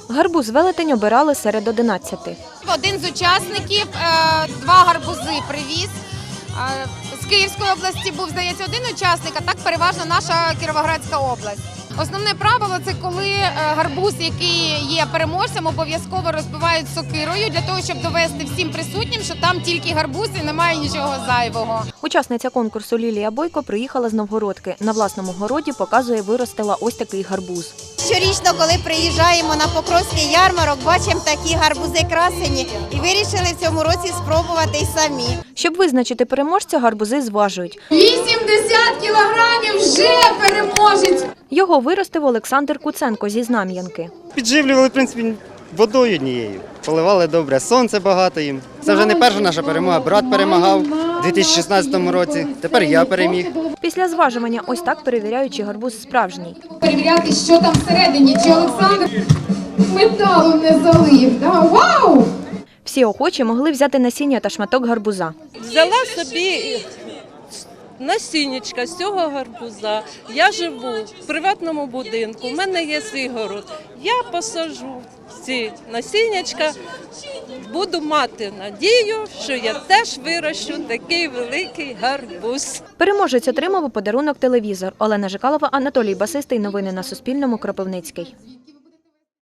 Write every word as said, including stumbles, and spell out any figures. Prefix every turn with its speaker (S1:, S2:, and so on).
S1: Гарбуз велетень обирали серед одинадцяти.
S2: Один з учасників два гарбузи привіз. З Київської області був, здається, один учасник, а так переважно наша Кіровоградська область. Основне правило – це коли гарбуз, який є переможцем, обов'язково розбивають сокирою для того, щоб довести всім присутнім, що там тільки гарбуз і немає нічого зайвого.
S1: Учасниця конкурсу Лілія Бойко приїхала з Новгородки. На власному городі, показує, виростила ось такий гарбуз.
S3: Щорічно, коли приїжджаємо на Покровський ярмарок, бачимо такі гарбузи красені і вирішили в цьому році спробувати й самі.
S1: Щоб визначити переможця, гарбузи зважують.
S2: вісімдесят кілограмів вже переможець!
S1: Його виростив Олександр Куценко зі Знам'янки.
S4: Підживлювали, в принципі, водою однією. Поливали добре, сонце багато їм. Це вже не перша наша перемога. Брат перемагав у дві тисячі шістнадцятому році, тепер я переміг.
S1: Після зважування ось так перевіряють, чи гарбуз справжній.
S2: Перевіряти, що там всередині, чи Олександр металу не залив. Да? Вау!
S1: Всі охочі могли взяти насіння та шматок гарбуза.
S5: Взяла собі насіннячка з цього гарбуза. Я живу в приватному будинку, у мене є свій город. Я посаджу ці насіннячка, буду мати надію, що я теж вирощу такий великий гарбуз.
S1: Переможець отримав у подарунок телевізор. Олена Жикалова, Анатолій Басистий. Новини на Суспільному. Кропивницький.